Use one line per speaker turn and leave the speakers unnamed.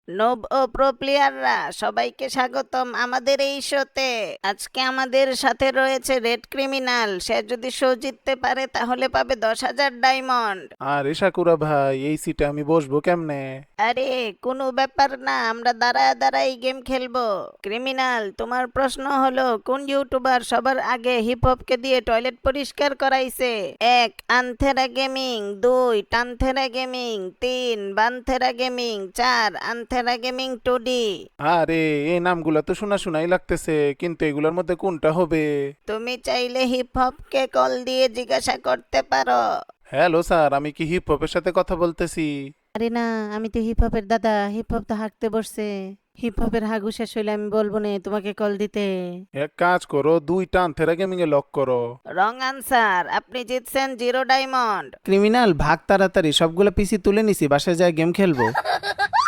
নোব ও pro প্লেয়াররা সবাইকে স্বাগতম আমাদের এই শোতে। আজকে আমাদের সাথে রয়েছে রেড ক্রিমিনাল। সে যদি শো জিততে পারে তাহলে পাবে 10,000 ডায়মন্ড।
আরে সাকুরা ভাই, এই সিটে আমি বসবো কেমনে?
আরে কোনো ব্যাপার না, আমরা দাঁড়ায় দাঁড়াই গেম খেলবো। ক্রিমিনাল, তোমার প্রশ্ন হলো কোন ইউটিউবার সবার আগে হিপ হপকে দিয়ে টয়লেট পরিষ্কার করাইছে? 1 আনথেরা গেমিং, 2 টানথেরা গেমিং, 3 বানথেরা গেমিং, 4 আনথেরা গেমিং 2D।
আরে এই নামগুলা তো শোনা শোনাই লাগতেছে, কিন্তু এগুলোর মধ্যে কোনটা হবে?
তুমি চাইলে হিপ হপকে কল দিয়ে জিজ্ঞাসা করতে পারো।
হ্যালো স্যার, আমি কি হিপ হপের সাথে কথা বলতেছি?
আরে না, আমি তো হিপ হপের দাদা। হিপ হপ তো হাঁকতে বসছে। হিপ হপের হাগু শেষ হইলে আমি বলবো না তোমাকে কল দিতে।
এক কাজ করো, 2টা আনথেরা গেমিং এ লক করো।
রং আনসার, আপনি জিতছেন 0 ডায়মন্ড।
ক্রিমিনাল ভাগ তাড়াতাড়ি, সবগুলো পিসি তুলে নিছি, বাসায় যায় গেম খেলবো।